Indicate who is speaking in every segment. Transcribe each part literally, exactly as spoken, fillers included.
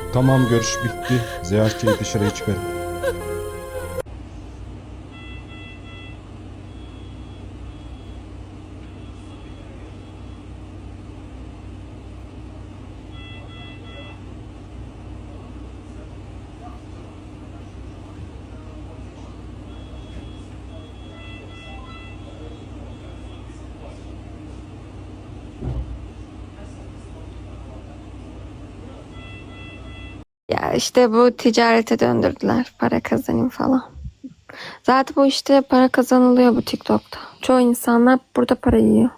Speaker 1: Tamam, görüş bitti. Ziyaretçiyi dışarıya çıkarın.
Speaker 2: Ya işte bu ticarete döndürdüler. Para kazanayım falan. Zaten bu işte para kazanılıyor bu TikTok'ta. Çoğu insanlar burada para yiyor.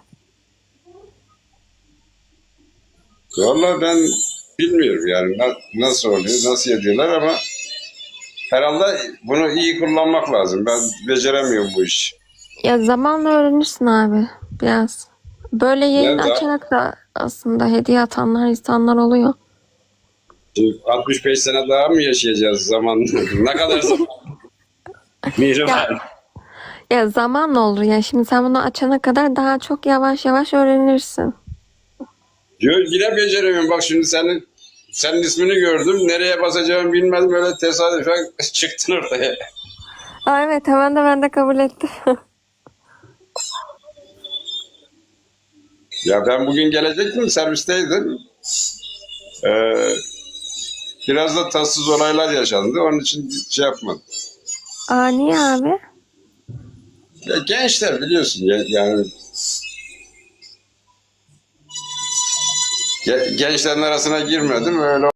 Speaker 3: Vallahi ben bilmiyorum yani na- nasıl oluyor, nasıl ediyorlar ama herhalde bunu iyi kullanmak lazım. Ben beceremiyorum bu işi.
Speaker 2: Ya zamanla öğrenirsin abi biraz. Böyle yayın
Speaker 3: Ne da
Speaker 2: açarak da aslında hediye atanlar insanlar oluyor.
Speaker 3: altmış beş sene daha mı yaşayacağız zaman? Ne kadar zaman? Mihri
Speaker 2: Ya,
Speaker 3: var.
Speaker 2: ya zamanla olur ya. Şimdi sen bunu açana kadar daha çok yavaş yavaş öğrenirsin.
Speaker 3: Diyor yine beceremiyorum. Bak şimdi senin senin ismini gördüm. Nereye basacağımı bilmedim. Böyle tesadüfen çıktın ortaya.
Speaker 2: Aa, evet hemen de ben de kabul ettim.
Speaker 3: Ya ben bugün gelecektim. Servisteydim. Ee, biraz da tatsız olaylar yaşandı. Onun için şey yapmadım.
Speaker 2: Aa niye abi?
Speaker 3: Ya gençler biliyorsun ya, yani ge- gençlerin arasına girmedim öyle